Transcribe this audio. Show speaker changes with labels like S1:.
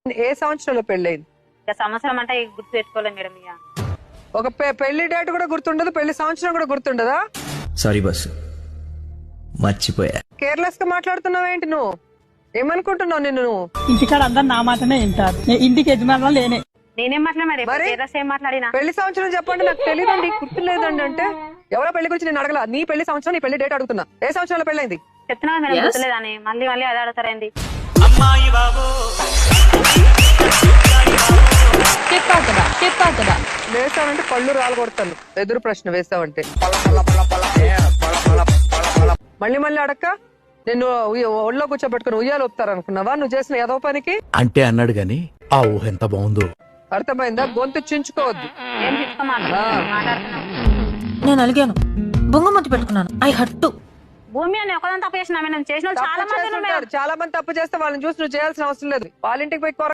S1: ఏ సంవత్సరంలో పెళ్ళైంది?
S2: ఇక సంవత్సరం అంటే గుర్తు పెట్టుకోలేదు మేడం. ఇక
S1: ఒక పెళ్లి డేట్ కూడా గుర్తుండదు, పెళ్లి సంవత్సరం కూడా గుర్తుండదా?
S3: సారీ బస్సు, మర్చిపోయా.
S1: కేర్లెస్ గా మాట్లాడుతున్నావేంటి నువ్వు? ఏమనుకుంటున్నావు నిన్ను నువ్వు?
S4: ఇంటికాడ అందరు నా మాటనే వింటారు, ఇంటికి యజమానులు లేనే.
S2: నేనేం మాట్లాడి
S1: మరి?
S2: ఏం మాట్లాడినా?
S1: పెళ్లి సంవత్సరం చెప్పండి, నాకు తెలియదండి, గుర్తు లేదండి అంటే ఎవరో పెళ్లి గురించి నేను అడగల. నీ పెళ్లి సంవత్సరం, నీ పెళ్లి డేట్ అడుగుతున్నా. ఏ సంవత్సరంలో పెళ్ళైంది?
S2: చెప్తున్నా మేడం, గుర్తులేదని మళ్ళీ మళ్ళీ అదే అడుగుతారేంది?
S1: వేసావంటే పళ్ళు రాలు కొడతాను. ఎదురు ప్రశ్న వేసావంటే మళ్ళీ మళ్ళీ అడక్క నిన్ను ఒళ్ళో కూర్చోబెట్టుకుని ఉయ్యాలు ఒప్పుతారనుకున్నావా నువ్వు చేసిన ఏదో పనికి?
S5: అంటే అన్నాడు గాని ఆ ఊహ ఎంత బాగుందో.
S1: అర్థమైందా? గొంతు చించుకోవద్దు.
S2: ఏం మాట్లాడుతున్నావు?
S6: నేను అలిగాను, బొంగమతి పెట్టుకున్నాను. I hurt.
S2: భూమి అని ఒకదాని తప్పు చేసిన చేసిన చాలా మంది
S1: చాలా మంది తప్పు చేస్తే వాళ్ళని చూసి నువ్వు చేయాల్సిన అవసరం లేదు. వాళ్ళ ఇంటికి పోయి